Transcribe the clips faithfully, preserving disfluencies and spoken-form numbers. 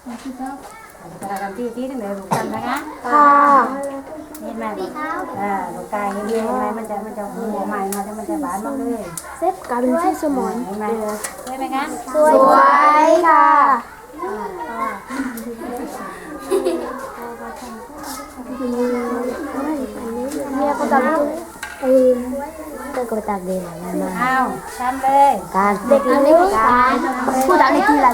เราทำที่ที่เหลือลูกกันนะคะค่ะเห็นไหมอ่าลูกไก่เห็นไหมมันจะมันจะหัวใหม่มาจะมันจะบานมากเลยเซ็ตกลายเป็นชื่อสมอนเห็นไหมใช่ไหมคะสวยค่ะเนี่ยก็จะเออก็กระตักเดินมาอ้าวทำเลยการเด็กเล็กการผู้ดักในกีฬา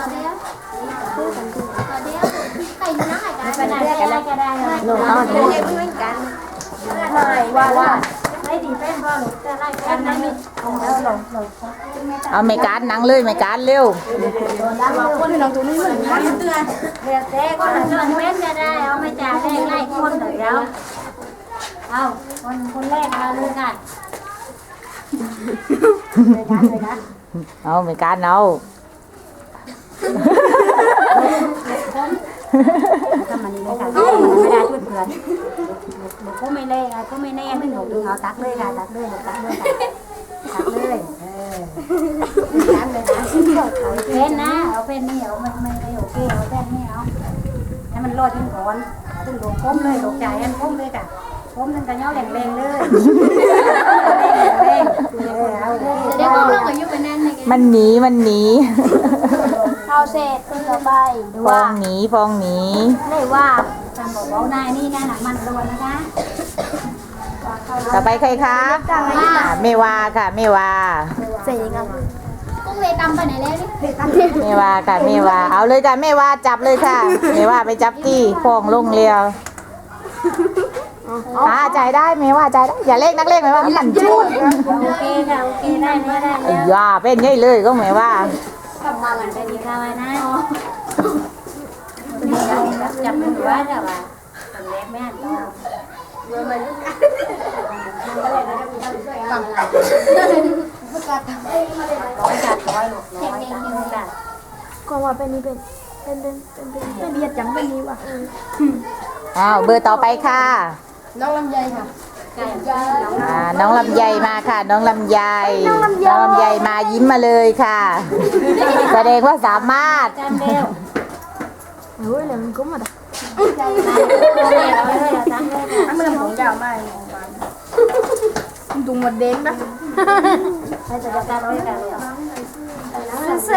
ไปไหนก็ได้ก็ได้หนูต้องเด็กไม่ว่าว่าไม่ดีเป็นพ่อหนูจะไล่กันนะมีเอาหลงหลงเอาไม่การหนังเลยไม่การเร็วคนที่น้องตัวนี้เหมือนกันเตือนเดี๋ยวเจ๊ก็หันเรื่องเป็นก็ได้เอาไม่จ่ายได้ไล่คนเดี๋ยวเอาคนคนแรกเอาเลยค่ะเลยนะเลยนะเอาไม่การเอาทำมันนี่เลยค่ะไม่ได้ช่วยเพื่อนหนูก็ไม่เล่ก็ไม่แน่ไม่หนูดึงเอาตักเลยค่ะตักเลยตักเลยตักเลยเออตักเลยนะเอาเป็นนะเอาเป็นนี่เอาไม่ไม่ไม่โอเคเอาแค่นี้เอาให้มันรอดจนก่อนถึงโดนก้มเลยโดนใจอันก้มเลยค่ะก้มนั่นก็ย่อแรงแรงเลยแรงเออเอาเดี๋ยวก้มแล้วก็ยุบไปนั่นเลยมันหนีมันหนีเอาเสร็จคนต่อไปฟองหนีฟองหนีเลยว่าจำบอกว่านายนี่นะหนักมันรวนนะคะต่อไปใครคะอ่าเมวาค่ะเมวาเสร็จกันกุ้งเลยตำไปไหนแล้วนี่เมวาค่ะเมวาเอาเลยค่ะเมวาจับเลยค่ะเมวาไปจับที่ฟองลงเรียวอ่าจ่ายได้เมวาจ่ายได้อย่าเล่นนักเล่นไหมว่ามันจุดโอเคค่ะโอเคได้ไม่ได้ไอ้ยาเป็นไงเลยก็เมวามาหลังไปดีค่ะไว้นะจับมือไว้เดี๋ยวว่าทำเล็กแม่ต่อฟังอะไรร้อยจัดร้อยหลบร้อยจัดเลยจ้ะก็ว่าเป็นนี่เป็นเป็นเป็นเป็นเป็นเป็นเบียดจังเป็นนี้ว่ะอ้าวเบอร์ต่อไปค่ะน้องลำไยค่ะไก่น้องอ่าน้องลำไยมาค่ะ น้องลำไยน้องลำไยมายิ้มมาเลยค่ะแสดงว่าสามารถจำเร็วเฮ้ยเลยมันก็มาดักเลยเลยตั้งเลยค่ะมันของยาวมากดุงหมดเด้งนะให้จะจัดการร้อยกันเลย